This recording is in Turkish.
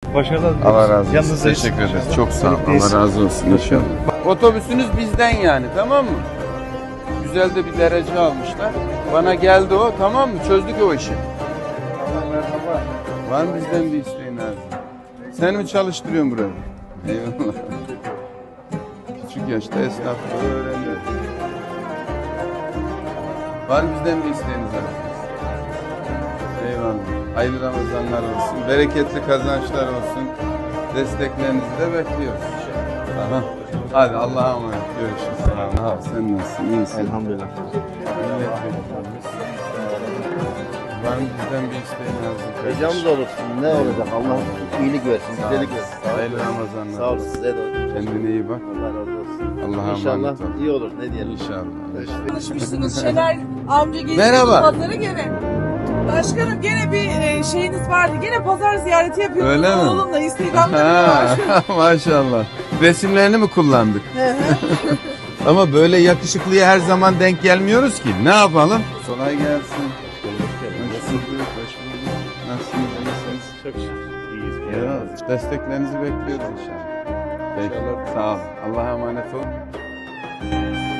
Başarılar diliyoruz. Allah razı olsun. Yanınızdayız. Teşekkür ederiz. İnşallah. Çok sağ ol. Birlikteyiz. Allah razı olsun inşallah. Otobüsünüz bizden yani, tamam mı? Güzel de bir derece almışlar. Bana geldi o, tamam mı? Çözdük o işi. Merhaba. Var mı bizden bir isteğin abi? Sen mi çalıştırıyorsun burayı? Eyvallah. Küçük yaşta esnaflığı öğreniyor. Var mı bizden bir isteğiniz abi? Eyvallah. Hayırlı Ramazanlar olsun. Bereketli kazançlar olsun. Desteklerinizi de bekliyoruz. Tamam. Hadi Allah'a emanet. Görüşürüz. Tamam. Sen nasılsın? İyi misin? Elhamdülillah. Milletvekilimiz. Var mı bizden bir isteğin lazım? Ricamız olursun. Ne olacak? Allah iyilik versin, güzellik versin. Hayırlı Ramazanlar. Sağ olun, size de olsun. Kendine iyi bak. Allah razı olsun. Allah'a İnşallah emanet ol. iyi olur. Ne diyelim? İnşallah. Konuşmuşsunuz Şener amca geldi Merhaba. pazara gene. Başkanım gene bir şeyiniz vardı. Gene pazar ziyareti yapıyordunuz Öyle mi? oğlumla. Instagram'da var. Maşallah. Resimlerini mi kullandık? Ama böyle yakışıklıya her zaman denk gelmiyoruz ki. Ne yapalım? Kolay gelsin. Hoş bulduk. Nasılsınız? İyisiniz? Çok şükür. İyiyiz. Ya, desteklerinizi bekliyoruz inşallah. Peki. Sağ ol. Allah'a emanet olun.